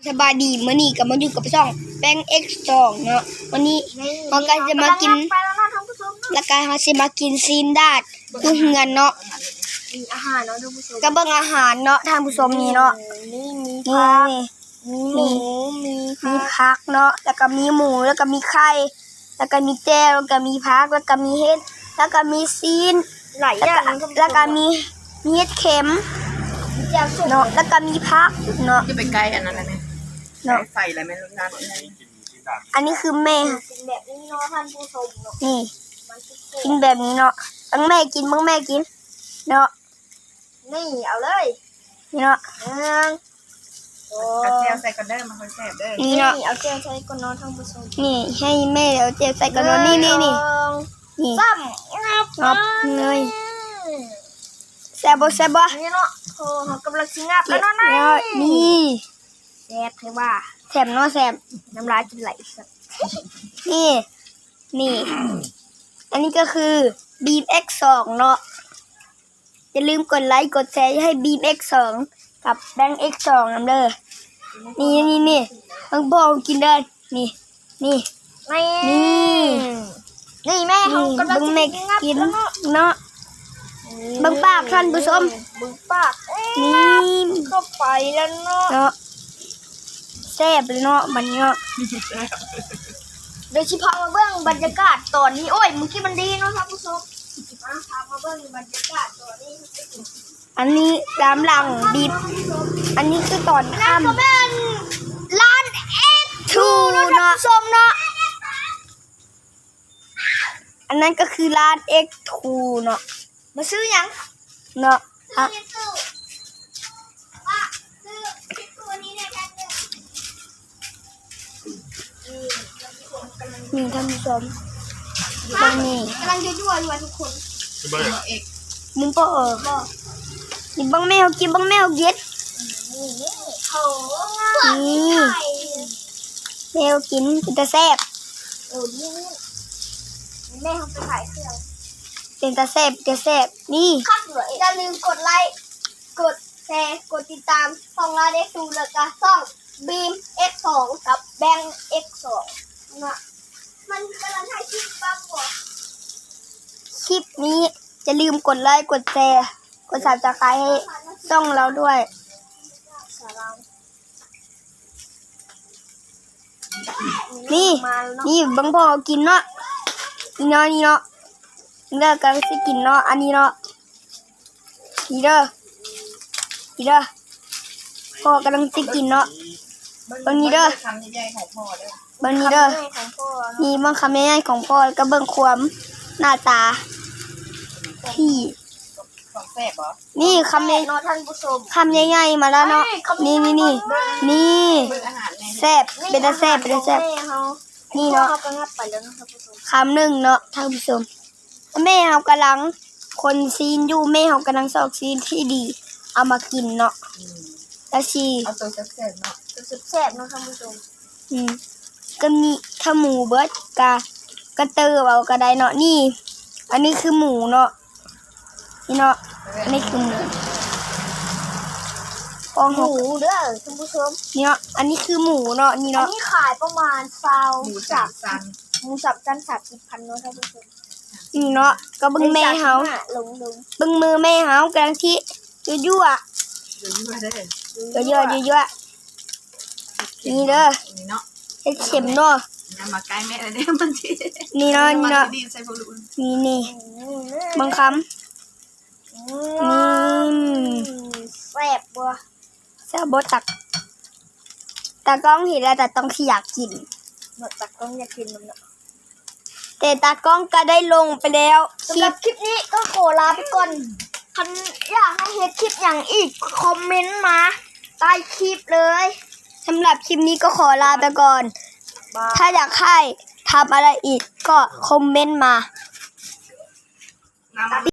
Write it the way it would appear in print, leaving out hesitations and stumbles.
สบายดีมื้อนี้ก็มาอยู่กับช่องแป้ง X2 เนาะวันนี้เราก็จะมากินแล้วก็เราสิมากินซีนดาดอยู่เฮือนเนาะมีอาหารเนาะท่านผู้ชมก็เบิ่งอาหารเนาะท่านผู้ชมนี่เนาะนี่มีนี่มีผักเนาะแล้วก็มีหมูแล้วก็มีไข่แล้วก็มีแจ่วแล้วก็มีผักแล้วก็มีเห็ดแล้วก็มีซีนหลายอย่างแล้วก็มีเห็ดเข็มเนาะแล้วก็มีผักเนาะจะไปไกลอันนั้นนะเนี่ยไฟอะไรไม่รู้นั่นอันนี้คือแม่กินแบบนี้เนาะท่านผู้ชมเนาะนี่กินแบบนี้เนาะบังแม่กินเนาะนี่เอาเลยนี่เนาะเอาเจียวใส่กันเด้อมาคนแซ่บเด้อนี่เนาะเอาเจียวใส่ก่อนเนาะท่านผู้ชมนี่ให้แม่เอาเจียวใส่กันเนาะนี่นี่ซ้ำงับเลยแซ่บบ่นี่เนาะโอ้เขากำลังสิงับแล้วเนาะนี่แซ่บเทว่าแซ่บเนาะแซ่บน้ำลายจะไหลสักนี่อันนี้ก็คือ Beam X2 เนาะอย่าลืมกดไลค์กดแชร์ให้ Beam X2 กับแบงค์ X2 นำเด้อนี่ต้องบอกกินเด้อนี่นี่แม่เขากำลังงับกินเนาะบังปากท่านผู้ชมบังปากนี่ก็ไปแล้วเนาะแซ่บเลยเนาะมันเนาะเดี๋ยวชิพามาเบิ้งบรรยากาศตอนนี้โอ้ยมึงคิดมันดีเนาะท่านผู้ชมพามาเบิ้งบรรยากาศตอนนี้อันนี้ตามหลังบีบอันนี้คือตอนค่ำก็เป็นร้าน X2 เนาะท่านผู้ชมเนาะอันนั้นก็คือร้าน X2 เนาะมาซื้อยังเนาะนี่ท่านผู้ชมตรงนี้กำลังยั่วอยู่ทุกคนมึงก็นี่บังแมวกินบังแมวเย็ดนี่แมวกินจะแซ่บนี่แม่เขาไปขายเครื่องเป็นตาแซ่บนี่ครับอย่าลืมกดไลค์กดแชร์กดติดตามช่องร้าน X2 แล้วก็ช่อง Beam X2 กับแบงค์ X2 นะมันกำลังถ่ายคลิปบ้างวะคลิปนี้จะลืมกดไลค์กดแชร์กดSubscribeให้ช่องเราด้วยนี่บังพ่อกินเนาะนี่เนาะเลิกกันสิกินเนาะอันนี้เนาะนี่เด้อพ่อกำลังสิกินเนาะบางนี้เด้อนี่บางคำใหญ่ของพ่อก็เบิ่งความหน้าตาที่นี่คำใหญ่คำใหญ่ๆมาแล้วเนาะนี่แซ่บเป็นแซ่บนี่เนาะคำหนึ่งเนาะท่านผู้ชมแม่เขากำลังคนซีนอยู่แม่เขากำลังสอกซีนที่ดีเอามากินเนาะแล้วชีเอาตัวแซ่บเนาะแซ่บเนาะท่านผู้ชมก็มีถ้าหมูเบิร์ดกระเตอเอากระไดเนาะนี่อันนี้คือหมูเนาะนี่เนาะอันนี้คือหมูหมูเด้อท่านผู้ชมนี่เนาะอันนี้คือหมูเนาะนี่เนาะอันนี้ขายประมาณหมูสับจัน30,000เนาะท่านผู้ชมนี่เนาะก็บึ้งแม่เฮาบึ้งมือแม่เฮากำลังที่ยั่วนี่เด้อเฮ็ดเข็มเนาะมาใกล้แม่เลยเนี่ยมันนี่เนาะนี่บางคำแซ่บบ่ตากล้องเห็นแล้วแต่ต้องที่อยากกินตากล้องอยากกินมันเนาะแต่ตากล้องก็ได้ลงไปแล้วสำหรับคลิปนี้ก็ขอลาไปก่อนคันอยากให้เฮ็ดคลิปอย่างอีกคอมเมนต์มาใต้คลิปเลยสำหรับคลิปนี้ก็ขอลาไปก่อนถ้าอยากให้ทำอะไรอีกก็คอมเมนต์มา